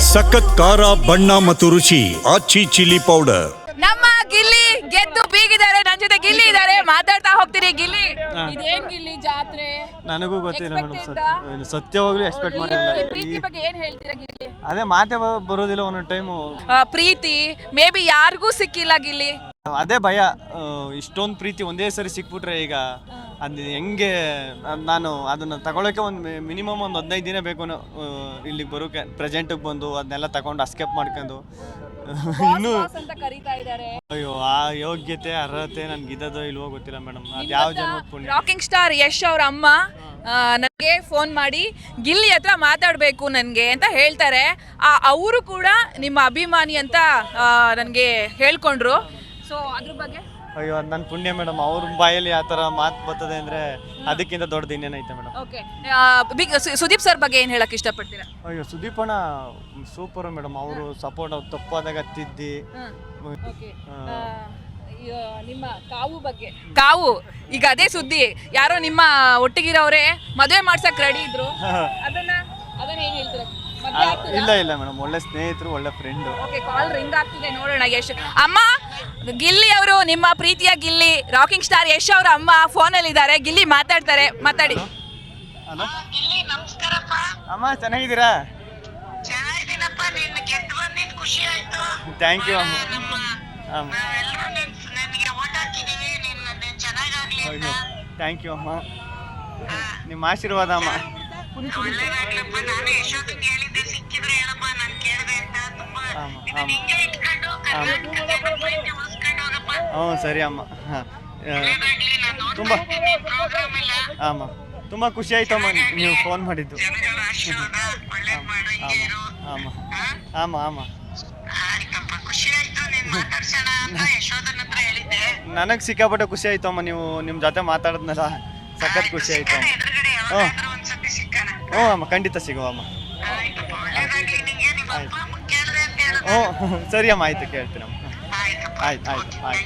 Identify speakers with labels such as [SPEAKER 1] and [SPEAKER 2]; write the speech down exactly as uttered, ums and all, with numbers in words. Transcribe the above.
[SPEAKER 1] ಸಖತ್ ಖಾರ ಬಣ್ಣ ಮತ್ತು ರುಚಿ ಆಚಿ ಚಿಲ್ಲಿ ಪೌಡರ್.
[SPEAKER 2] ನಮ್ಮ ಗಿಲ್ಲಿ ಗೆದ್ದು ಬೀಗಿದ್ದಾರೆ. ನನ್ನ ಜೊತೆ ಗಿಲ್ಲಿ ಇದ್ದಾರೆ, ಮಾತಾಡ್ತಾ ಹೋಗ್ತೀರಿ. ಗಿಲ್ಲಿ, ಇದೇನ್ ಗಿಲ್ಲಿ ಜಾತ್ರೆ?
[SPEAKER 3] ನನಗೂ ಗೊತ್ತಿಲ್ಲ ಮೇಡಮ್, ಸತ್ಯವಾಗ್ಲೂ ಎಕ್ಸ್ಪೆಕ್ಟ್ ಮಾಡಿಲ್ಲ.
[SPEAKER 2] ಪ್ರೀತಿ ಬಗ್ಗೆ ಏನ್ ಹೇಳ್ತೀರಾ ಗಿಲ್ಲಿ?
[SPEAKER 3] ಅದೇ ಮಾತೆ ಬರೋದಿಲ್ಲ ಒಂದೊಂದು ಟೈಮು.
[SPEAKER 2] ಪ್ರೀತಿ ಮೇ ಬಿ ಯಾರಿಗೂ ಸಿಕ್ಕಿಲ್ಲ ಗಿಲ್ಲಿ.
[SPEAKER 3] ಅದೇ ಭಯ, ಇಷ್ಟೊಂದು ಪ್ರೀತಿ ಒಂದೇ ಸರಿ ಸಿಕ್ಬಿಟ್ರೆ ಈಗ ಅದು ಹೆಂಗೆ ನಾನು ಅದನ್ನು ತಗೊಳಕ್ಕೆ ಒಂದು ಮಿನಿಮಮ್ ಒಂದು ಹದಿನೈದು ದಿನ ಬೇಕು ಇಲ್ಲಿಗೆ ಬರೋಕೆ. ಪ್ರೆಸೆಂಟಿಗೆ ಬಂದು ಅದನ್ನೆಲ್ಲ ತಗೊಂಡು ಅಸ್ಕೇಪ್ ಮಾಡ್ಕೊಂಡು ಇನ್ನೂ ಅಯ್ಯೋ ಆ ಯೋಗ್ಯತೆ ಅರ್ಹತೆ ನನ್ಗೆ ಇದ್ದದೋ ಇಲ್ವೋ ಗೊತ್ತಿಲ್ಲ ಮೇಡಮ್. ಅದು ಯಾವ ಜನ
[SPEAKER 2] ರಾಕಿಂಗ್ ಸ್ಟಾರ್ ಯಶ್ ಅವ್ರ ಅಮ್ಮ ನನಗೆ ಫೋನ್ ಮಾಡಿ ಗಿಲ್ಲಿ ಹತ್ರ ಮಾತಾಡಬೇಕು ನನಗೆ ಅಂತ ಹೇಳ್ತಾರೆ. ಅವರು ಕೂಡ ನಿಮ್ಮ ಅಭಿಮಾನಿ ಅಂತ ನನಗೆ ಹೇಳ್ಕೊಂಡ್ರು. ಸೊ ಅದ್ರ ಬಗ್ಗೆ
[SPEAKER 3] ಅಯ್ಯೋ ಅದು ನನ್ನ ಪುಣ್ಯ ಮೇಡಮ್. ಅವ್ರ ಬಾಯಲ್ಲಿ ಆ ಥರ ಮಾತು ಬರ್ತದೆ ಅಂದರೆ ಅದಕ್ಕಿಂತ ದೊಡ್ಡದು ಇನ್ನೇನೈತೆ madam.
[SPEAKER 2] Okay, big Sudeep sir ಬಗ್ಗೆ ಏನು ಹೇಳಕ್ಕೆ ಇಷ್ಟಪಡ್ತೀರಾ?
[SPEAKER 3] ಅಯ್ಯೋ ಸುದೀಪ್ ಅಣ್ಣ ಸೂಪರ್ ಮೇಡಮ್. ಅವರು ಸಪೋರ್ಟ್ ಅವ್ರು ತಪ್ಪಾದಾಗ ತಿದ್ದಿ.
[SPEAKER 2] ನಿಮ್ಮ ಕಾವು ಬಗ್ಗೆ, ಕಾವು ಈಗ ಅದೇ ಸುದ್ದಿ, ಯಾರೋ ನಿಮ್ಮ ಒಟ್ಟಿಗಿರೋರೇ ಮದುವೆ ಮಾಡ್ಸಕ್ ರೆಡಿ ಇದ್ರು. ಅದನ್ನ ಅದನ್ನ ಏನ್ ಹೇಳ್ತೀರಾ?
[SPEAKER 3] ಇಲ್ಲ ಇಲ್ಲ ಮೇಡಮ್, ಒಳ್ಳೆ ಸ್ನೇಹಿತರು, ಒಳ್ಳೆ ಫ್ರೆಂಡ್.
[SPEAKER 2] ಓಕೆ, ಕಾಲ್ ರಿಂಗ್ ಆಗ್ತಿದೆ, ನೋಡೋಣ. ಯಶ್ ಅಮ್ಮ, ಗಿಲ್ಲಿ ಅವರು, ನಿಮ್ಮ ಪ್ರೀತಿಯ ಗಿಲ್ಲಿ, ರಾಕಿಂಗ್ ಸ್ಟಾರ್ ಯಶ್ ಅವರ ಅಮ್ಮ ಫೋನಲ್ಲಿ ಇದ್ದಾರೆ. ಗಿಲ್ಲಿ ಮಾತಾಡ್ತಾರೆ, ಮಾತಾಡಿ.
[SPEAKER 3] ಹಲೋ ಅಮ್ಮ, ಚೆನ್ನಾಗಿದ್ದೀರಾ? ಥ್ಯಾಂಕ್ ಯು ಅಮ್ಮ. ಅಮ್ಮ ಥ್ಯಾಂಕ್ ಯು ಅಮ್ಮ, ನಿಮ್ಮ ಆಶೀರ್ವಾದ ಅಮ್ಮ. ಹ್ಞೂ ಸರಿ ಅಮ್ಮ. ಹಾಂ, ತುಂಬ ಆಮ ತುಂಬ ಖುಷಿ ಆಯ್ತು ಅಮ್ಮ ನೀವು ಫೋನ್ ಮಾಡಿದ್ದು. ಆಮ ಆಮ ಆಮ ನನಗೆ ಸಿಕ್ಕಾಪಟ್ಟೆ ಖುಷಿ ಆಯ್ತು ಅಮ್ಮ. ನೀವು ನಿಮ್ಮ ಜೊತೆ ಮಾತಾಡಿದ್ನಲ್ಲ, ಸಖತ್ ಖುಷಿ ಆಯ್ತು ಅಮ್ಮ. ಹ್ಞೂ ಹ್ಞೂ ಅಮ್ಮ, ಖಂಡಿತ ಸಿಗುವ ಅಮ್ಮ. ಆಯ್ತು, ಹ್ಞೂ ಸರಿ ಅಮ್ಮ, ಆಯ್ತು ಕೇಳ್ತೀನಮ್ಮ. ಆಯ್ತು ಆಯ್ತು ಆಯ್ತು.